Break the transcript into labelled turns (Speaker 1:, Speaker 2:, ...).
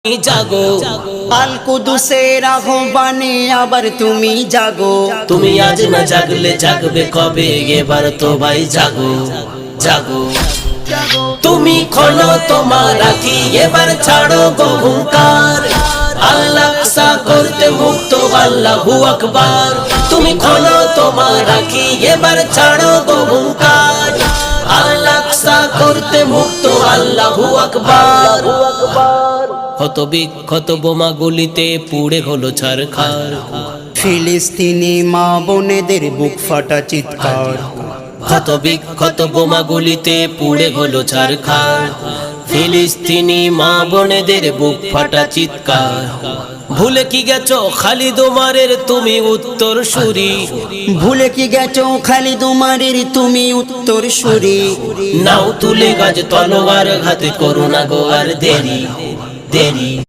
Speaker 1: জাগো
Speaker 2: আল কুদুসের আহ্বানে আবার তুমি জাগো।
Speaker 1: তুমি আজ না জাগলে জাগবে কবে? এবার তো ভাই জাগো জাগো। তুমি খোলো তোমার আঁখি, এবার ছাড়ো গো হুঙ্কার। আল্লাহ আকসা করতে মুক্ত, আল্লাহু আকবার। তুমি খোলো তোমার আঁখি, এবার ছাড়ো গো হুঙ্কার। আল্লাহ আকসা করতে মুক্ত, আল্লাহু আকবার। ক্ষত বিক্ষত বোমা গুলিতে পুড়ে হলো ছারখার।
Speaker 2: ফিলিস্তিনি মা বোনেদের বুক ফাটা চিৎকার।
Speaker 1: ক্ষত বিক্ষত বোমা গুলিতে পুড়ে হলো ছারখার। ফিলিস্তিনি মা বোনেদের বুক ফাটা চিৎকার। ভুলে কি গেছো খালিদ ওমরের তুমি উত্তর সুরি?
Speaker 2: ভুলে কি গেছো খালিদ ওমরের তুমি উত্তর সুরি?
Speaker 1: নাও তুলে গাছ তলোয়ার হাতে, করো না গো আর দেরি দেরি।